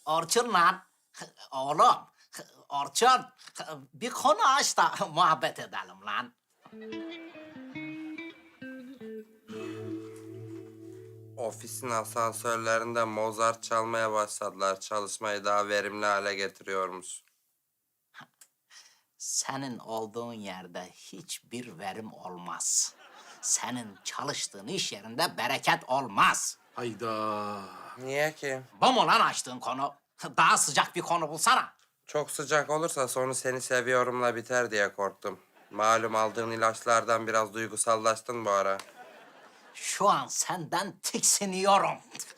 Orçun lan. Oğlum. Orçun. Bir konu aç da muhabbet edelim lan. Ofisin asansörlerinde Mozart çalmaya başladılar. Çalışmayı daha verimli hale getiriyormuş. Senin olduğun yerde hiçbir verim olmaz. Senin çalıştığın iş yerinde bereket olmaz. Hayda. Niye ki? Bu mu lan açtığın konu? Daha sıcak bir konu bulsana. Çok sıcak olursa sonu seni seviyorumla biter diye korktum. Malum aldığın ilaçlardan biraz duygusallaştın bu ara. Şu an senden tiksiniyorum.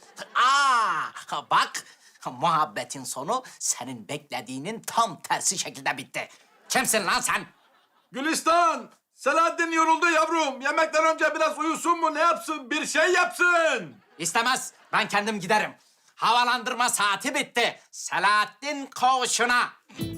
Bak, muhabbetin sonu senin beklediğinin tam tersi şekilde bitti. Kimsin lan sen? Gülistan! Selahattin yoruldu yavrum. Yemekten önce biraz uyusun mu ne yapsın? Bir şey yapsın. İstemez, ben kendim giderim. Havalandırma saati bitti. Selahattin koğuşuna.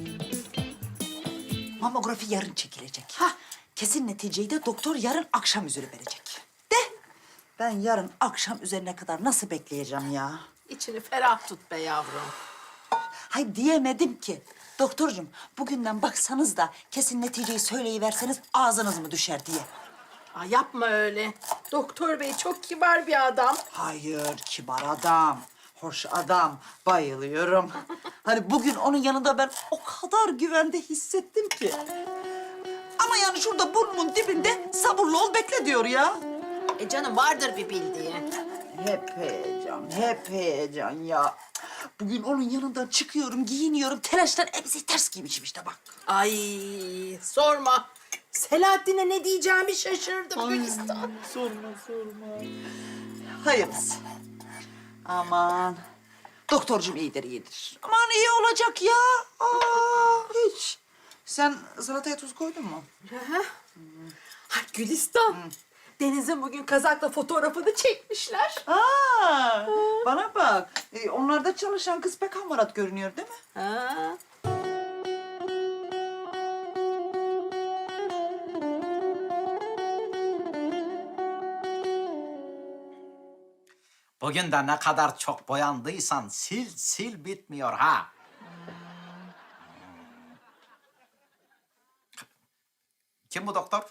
Mamografi yarın çekilecek. Kesin neticeyi de doktor yarın akşam üzeri verecek. De ben yarın akşam üzerine kadar nasıl bekleyeceğim ya? İçini ferah tut be yavrum. Hay diyemedim ki. Doktorcum bugünden baksanız da kesin neticeyi söyleyiverseniz ağzınız mı düşer diye. Aa, yapma öyle. Doktor bey çok kibar bir adam. Hayır, kibar adam, hoş adam, bayılıyorum. Hani bugün onun yanında ben o kadar güvende hissettim ki. Ama yani şurada burnumun dibinde sabırlı ol bekle diyor ya. Canım vardır bir bildiği. Hep heyecan ya. Bugün onun yanından çıkıyorum, giyiniyorum, telaştan elbise ters giymişim işte bak. Ay sorma. Selahattin'e ne diyeceğimi şaşırdım Gülistan. Sorma. Hayırlısı. Aman. Doktorcum iyidir. Aman iyi olacak ya. Hiç. Sen salataya tuz koydun mu? Ay Gülistan. Deniz'in bugün kazakla fotoğrafını çekmişler. Bana bak. Onlarda çalışan kız pek hamarat görünüyor değil mi? Ha. Bugün de ne kadar çok boyandıysan sil bitmiyor ha. Kim bu doktor?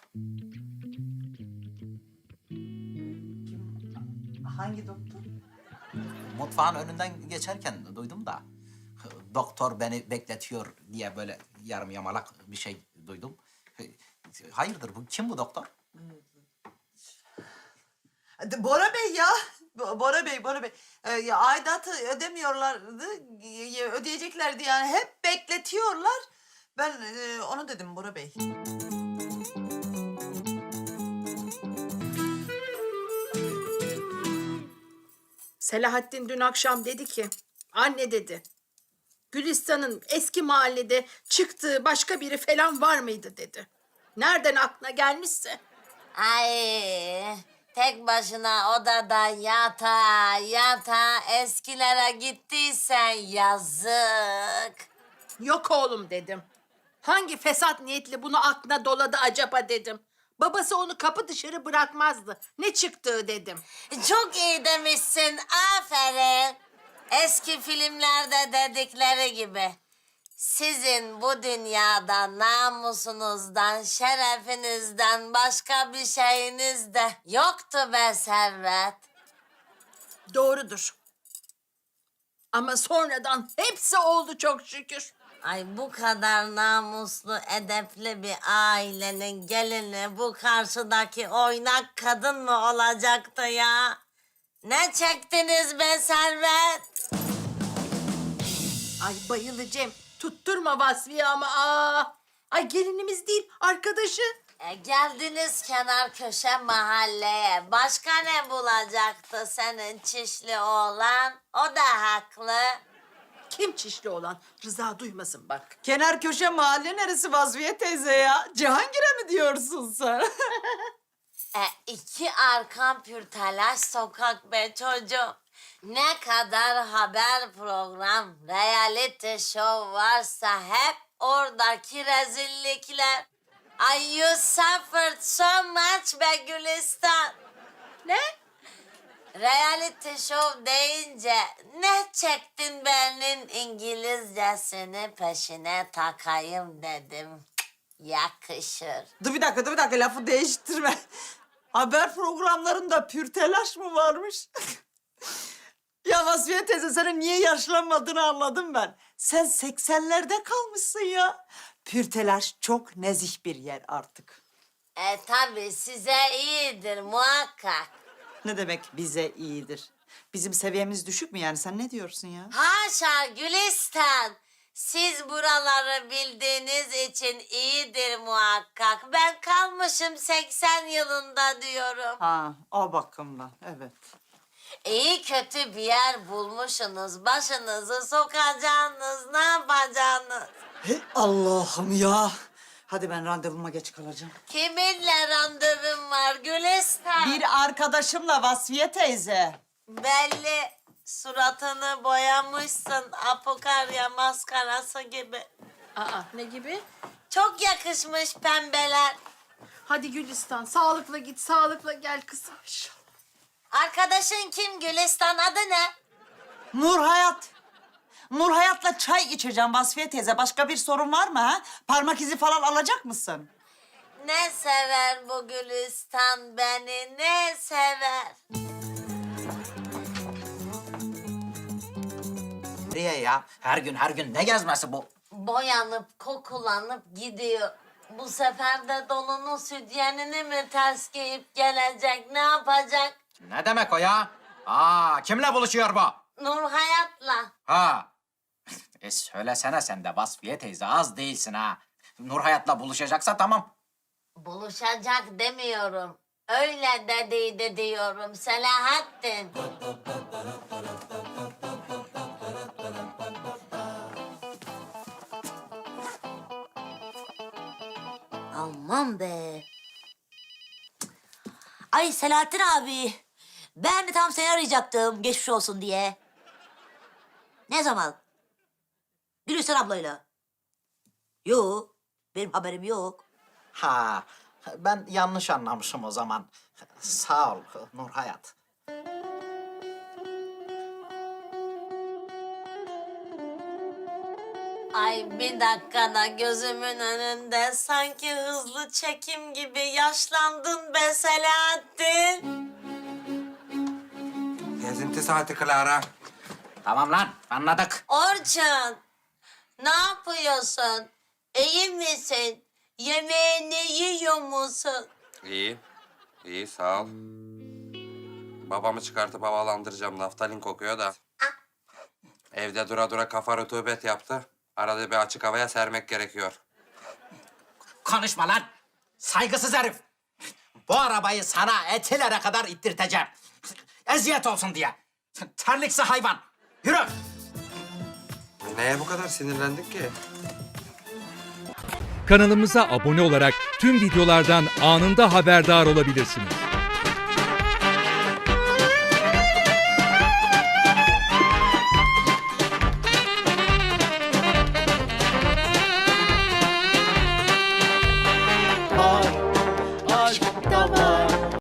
Hangi doktor? Mutfağın önünden geçerken duydum da. Doktor beni bekletiyor diye böyle yarım yamalak bir şey duydum. Hayırdır bu? Kim bu doktor? Bora Bey ya. Bora Bey. Ya aidatı ödemiyorlardı. Ödeyeceklerdi yani. Hep bekletiyorlar. Ben onu dedim Bora Bey. Selahattin dün akşam dedi ki, anne dedi, Gülistan'ın eski mahallede çıktığı başka biri falan var mıydı dedi. Nereden aklına gelmişse. Ay, tek başına odada yata eskilere gittiysen yazık. Yok oğlum dedim. Hangi fesat niyetli bunu aklına doladı acaba dedim. Babası onu kapı dışarı bırakmazdı. Ne çıktığı dedim. Çok iyi demişsin, aferin. Eski filmlerde dedikleri gibi. Sizin bu dünyada namusunuzdan, şerefinizden başka bir şeyiniz de yoktu be Servet. Doğrudur. Ama sonradan hepsi oldu çok şükür. Ay bu kadar namuslu, edepli bir ailenin gelini bu karşıdaki oynak kadın mı olacaktı ya? Ne çektiniz be Servet? Ay bayılacağım. Tutturma Vasfiye ama Ay gelinimiz değil, arkadaşı. Geldiniz kenar köşe mahalleye. Başka ne bulacaktı senin çişli oğlan? O da haklı. Kim çişli olan? Rıza duymasın bak. Kenar köşe mahalle neresi Vazviye teyze ya? Cihangir'e mi diyorsun sen? İki arkan pür telaş sokak be çocuğum. Ne kadar haber program, reality show varsa hep oradaki rezillikler. Ay you suffered so much be Gülistan. Ne? reality show deyince ne çektin benim İngilizcesini peşine takayım dedim. Yakışır. Dur bir dakika lafı değiştirme. Haber programlarında pür telaş mı varmış? Ya Vasfiye teyze senin niye yaşlanmadığını anladım ben. Sen 80'lerde kalmışsın ya. Pür telaş çok nezih bir yer artık. Tabii size iyidir muhakkak. Ne demek bize iyidir? Bizim seviyemiz düşük mü yani? Sen ne diyorsun ya? Haşa Gülistan. Siz buraları bildiğiniz için iyidir muhakkak. Ben kalmışım 80 yılında diyorum. Ha, o bakımdan evet. İyi kötü bir yer bulmuşsunuz. Başınızı sokacağınız, ne yapacaksınız? Hey Allah'ım ya. Hadi ben randevuma geç kalacağım. Kiminle randevun var Gülistan? Bir arkadaşımla Vasfiye teyze. Belli suratını boyamışsın apokarya maskarası gibi. Aa, ne gibi? Çok yakışmış pembeler. Hadi Gülistan, sağlıkla git, sağlıkla gel kızım. Arkadaşın kim Gülistan, adı ne? Nur Hayat. Nur Hayat'la çay içeceğim Vasfiye teyze. Başka bir sorun var mı ha? Parmak izi falan alacak mısın? Ne sever bu Gülistan beni, ne sever? Nereye ya? Her gün ne gezmesi bu? Boyanıp kokulanıp gidiyor. Bu sefer de dolunun sütyenini mi ters giyip gelecek, ne yapacak? Ne demek o ya? Kimle buluşuyor bu? Nur Hayat'la. Ha. Söylesene sen de Vasfiye teyze, az değilsin ha. Nur Hayat'la buluşacaksa tamam. Buluşacak demiyorum. Öyle dediydi diyorum Selahattin. Aman be. Ay Selahattin abi. Ben de tam seni arayacaktım geçmiş olsun diye. Ne zaman? Gülistan ablayla. Yok. Benim haberim yok. Ha, ben yanlış anlamışım o zaman. Sağ ol Nur Hayat. Ay bir dakikada gözümün önünde sanki hızlı çekim gibi yaşlandın be Selahattin. Gezinti saati Clara. Tamam lan, anladık. Orçun, ne yapıyorsun? İyi misin? Yemeğini yiyor musun? İyi. İyi sağ ol. Babamı çıkartıp havalandıracağım. Naftalin kokuyor da. Evde dura dura kafa rutubet yaptı. Arada bir açık havaya sermek gerekiyor. Konuşma lan. Saygısız herif. Bu arabayı sana Etiler'e kadar ittirteceğim. Eziyet olsun diye. Terliksi hayvan. Yürü. Neye bu kadar sinirlendik ki? Kanalımıza abone olarak tüm videolardan anında haberdar olabilirsiniz.